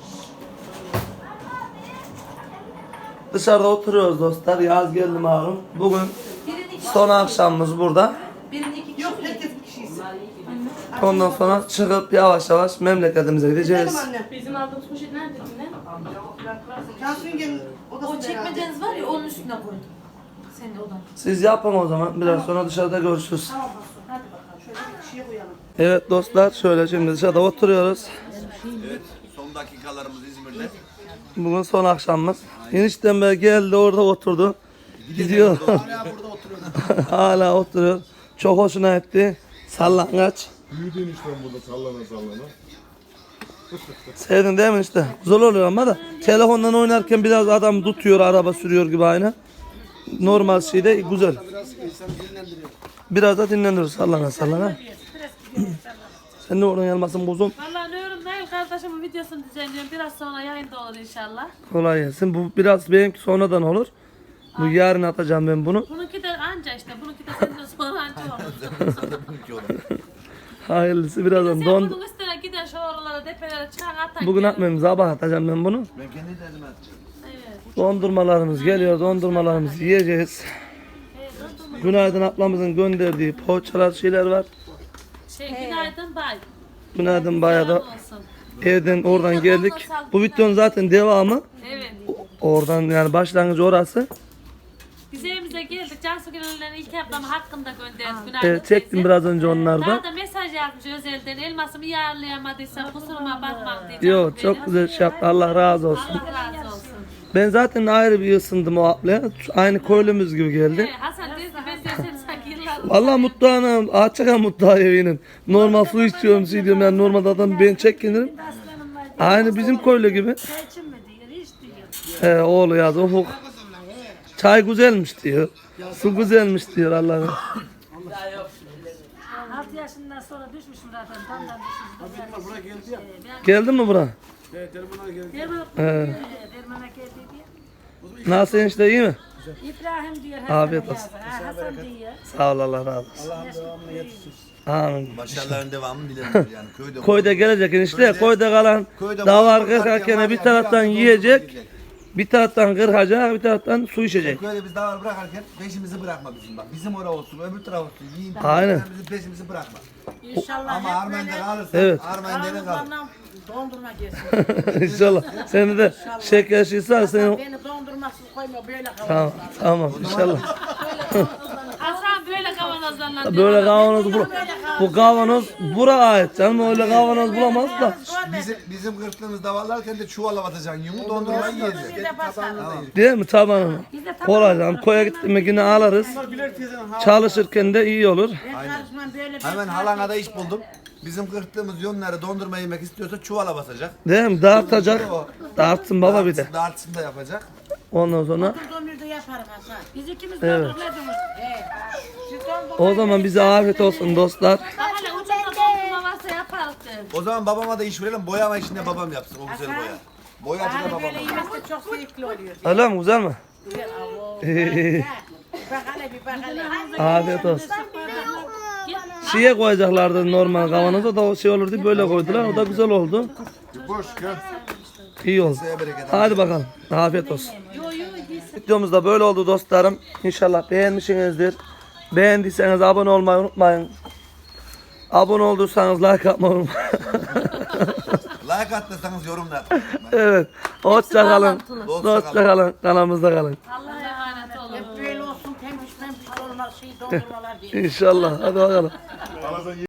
[SPEAKER 1] Dışarıda oturuyoruz dostlar. Yaz geldi malum. Bugün
[SPEAKER 8] Birini iki
[SPEAKER 1] son akşamımız burada.
[SPEAKER 8] Birini iki kişi.
[SPEAKER 9] Yok, herkes bir kişiyiz.
[SPEAKER 1] Ondan sonra çıkıp yavaş yavaş memleketimize
[SPEAKER 9] Gidelim
[SPEAKER 1] gideceğiz.
[SPEAKER 9] anne.
[SPEAKER 8] Bizim aldığımız poşet nerede yine?
[SPEAKER 9] Cansu yengenin odasında
[SPEAKER 8] O
[SPEAKER 9] herhalde.
[SPEAKER 8] çekmeceniz var ya onun üstüne koydum. Senin odan.
[SPEAKER 1] Siz yapın o zaman. Biraz sonra dışarıda görüşürüz.
[SPEAKER 9] Tamam Hasan, hadi bakalım. Şöyle bir kişiye koyalım.
[SPEAKER 1] Evet dostlar şöyle şimdi dışarıda oturuyoruz.
[SPEAKER 10] Evet, son dakikalarımız İzmir'de.
[SPEAKER 1] Bugün son akşamımız. Eniştem be geldi orada oturdu. Gidiyor.
[SPEAKER 10] Hala burada oturuyoruz.
[SPEAKER 1] Hala oturuyor. Çok hoşuna gitti. Sallangaç.
[SPEAKER 11] Büyüdün işte burada sallana sallana.
[SPEAKER 1] Sevdin değil mi işte? Güzel oluyor ama da telefondan oynarken biraz adam tutuyor, araba sürüyor gibi aynı. Normal şey de güzel.
[SPEAKER 10] Biraz insan dinlendiriyor.
[SPEAKER 1] Biraz da dinlenir sallana sallana. Sen ne oradan gelmesin buzum?
[SPEAKER 3] Vallahi ne yorum Şimdi Nail kardeşimin videosunu düzenliyorum. Biraz sonra yayında olur inşallah.
[SPEAKER 1] Kolay gelsin. Bu biraz benimki sonradan olur. Bu yarın atacağım ben bunu.
[SPEAKER 3] Bununki de anca işte. Bununki de senden sonra anca olur.
[SPEAKER 1] Hayırlısı birazdan
[SPEAKER 3] Sen
[SPEAKER 1] don.
[SPEAKER 3] bunun üstüne giden şu oralara depelere çıkar atak.
[SPEAKER 1] Bugün atmayayım, sabah atacağım ben bunu.
[SPEAKER 10] Ben kendi de elime atacağım.
[SPEAKER 3] Evet.
[SPEAKER 1] Dondurmalarımız geliyor, dondurmalarımızı yiyeceğiz. Günaydın ablamızın gönderdiği poğaçalar şeyler var.
[SPEAKER 3] Şey günaydın bay.
[SPEAKER 1] Günaydın bayağı da
[SPEAKER 3] Selam olsun.
[SPEAKER 1] evden oradan geldik. Bu videonun zaten devamı.
[SPEAKER 3] Evet.
[SPEAKER 1] Oradan yani başlangıcı orası.
[SPEAKER 3] Biz evimize geldik. Cansu Gönüller'in ilk ablamı hakkında gönderdik. Günaydın
[SPEAKER 1] Evet, çektim
[SPEAKER 3] teyze.
[SPEAKER 1] biraz önce onlardan.
[SPEAKER 3] Daha da mesaj yazmış özelden. Elmasımı yarlayamadıysa kusuruma bakma diye.
[SPEAKER 1] Yok, çok güzel şey yaptı. Allah razı olsun.
[SPEAKER 3] Allah razı olsun.
[SPEAKER 1] Ben zaten ayrı bir ısındım o ablaya. Aynı köylümüz gibi geldi.
[SPEAKER 3] Evet, Hasan dedi ki ben diyor seni sanki yıllar.
[SPEAKER 1] Vallahi mutlu anam. Açık mutlu evinin. Normal su içiyorum, şey diyorum yani normalde adam ben çekinirim.
[SPEAKER 2] Aslanım var.
[SPEAKER 1] Aynı bizim köylü gibi.
[SPEAKER 2] Çay için mi diyor, iç diyor.
[SPEAKER 1] He oğlu yazdı. Ufuk. Çay güzelmiş diyor. Su güzelmiş diyor Allah'ım.
[SPEAKER 2] altı yaşından sonra düşmüşüm zaten. Tandan düşmüşüm.
[SPEAKER 10] Buraya geldi ya.
[SPEAKER 1] Geldin mi bura?
[SPEAKER 10] Evet, telefona geldi.
[SPEAKER 1] He.
[SPEAKER 2] Dermana geldi diye.
[SPEAKER 1] Nasıl enişte, iyi mi?
[SPEAKER 2] İbrahim diyor.
[SPEAKER 1] Afiyet
[SPEAKER 2] Hasan
[SPEAKER 1] olsun.
[SPEAKER 2] yazdı. Ha, Hasan diyor.
[SPEAKER 1] Sağ ol, Allah razı olsun.
[SPEAKER 10] Allah'ın devamını yetişsin.
[SPEAKER 1] Amin.
[SPEAKER 10] Başarıların devamını dilerim yani köyde.
[SPEAKER 1] Koyda gelecek enişte. Koyda kalan
[SPEAKER 10] Köyde
[SPEAKER 1] davar
[SPEAKER 10] mutlu varken
[SPEAKER 1] kırkarken
[SPEAKER 10] var
[SPEAKER 1] bir
[SPEAKER 10] ya,
[SPEAKER 1] taraftan
[SPEAKER 10] bir hafta
[SPEAKER 1] yiyecek.
[SPEAKER 10] dondurma
[SPEAKER 1] Bir taraftan kırkacak, bir taraftan su içecek.
[SPEAKER 10] Köyde biz davar bırakarken peşimizi bırakma bizim bak. Bizim oraya olsun, öbür taraf olsun. Yiyin.
[SPEAKER 1] Aynen.
[SPEAKER 10] Sen bizim peşimizi bırakma.
[SPEAKER 6] İnşallah
[SPEAKER 10] Ama
[SPEAKER 6] hep
[SPEAKER 10] Armen'de
[SPEAKER 6] böyle
[SPEAKER 10] kalırsan,
[SPEAKER 1] Evet.
[SPEAKER 10] Armen'de kalır.
[SPEAKER 6] bana dondurma gelsin.
[SPEAKER 1] İnşallah. Seni de şeker şişer seni.
[SPEAKER 6] Beni dondurmasız koyma böyle kalalım.
[SPEAKER 1] Tamam, tamam inşallah.
[SPEAKER 3] Hasan böyle kavanozlarla
[SPEAKER 1] Böyle kavanoz bu, bu kavanoz bura ait canım, öyle kavanoz bulamaz da.
[SPEAKER 10] Bizim bizim kırktığımız davarlarken de çuvala batacaksın yumu dondurmayı yiyeceksin.
[SPEAKER 6] Bir de basalım.
[SPEAKER 1] Değil mi tabanını? Kolay canım. Koya gittik mi yine alırız. Çalışırken de iyi olur.
[SPEAKER 6] Ben karışmam böyle bir
[SPEAKER 10] Hemen halana da iş buldum. Bizim kırktığımız yonları dondurma yemek istiyorsa çuvala basacak.
[SPEAKER 1] Değil mi? Dağıtacak. Dağıtsın baba bir de.
[SPEAKER 10] Dağıtsın, dağıtsın da yapacak.
[SPEAKER 1] Ondan sonra
[SPEAKER 6] dondurda yaparım Hasan.
[SPEAKER 2] Biz ikimiz
[SPEAKER 1] Evet.
[SPEAKER 2] dondurmadınız.
[SPEAKER 6] He. Siz dondurma
[SPEAKER 1] o zaman bize afiyet olsun dostlar.
[SPEAKER 3] Bak hele ucunda dondurma varsa yaparız derim.
[SPEAKER 10] O zaman babama da iş verelim. Boyama işinde babam yapsın. O güzel boya. Boyacı da
[SPEAKER 6] Hani
[SPEAKER 10] babam.
[SPEAKER 6] böyle yemesi çok zevkli oluyor.
[SPEAKER 1] Öyle mi? Güzel mi?
[SPEAKER 6] Güzel. Avo. Bak hele bir bak hele.
[SPEAKER 1] Afiyet olsun. Şeye koyacaklardı normal kavanoza da o şey olur diye böyle koydular. O da güzel oldu.
[SPEAKER 11] Boş gel.
[SPEAKER 1] İyi oldu.
[SPEAKER 10] Size bereket.
[SPEAKER 1] Hadi bakalım. Afiyet olsun. Videomuz da böyle oldu dostlarım. İnşallah beğenmişsinizdir. Beğendiyseniz abone olmayı unutmayın. Abone olduysanız like atmayı unutmayın.
[SPEAKER 10] Like attıysanız yorumlar.
[SPEAKER 1] Evet. Hoşça kalın.
[SPEAKER 10] Dostça
[SPEAKER 1] Hoşça kalın. Kanalımızda kalın.
[SPEAKER 3] Allah'a emanet olun.
[SPEAKER 6] Hep böyle olsun pembiş pembiş olmaz şey dondurmalar diye.
[SPEAKER 1] İnşallah. Hadi bakalım.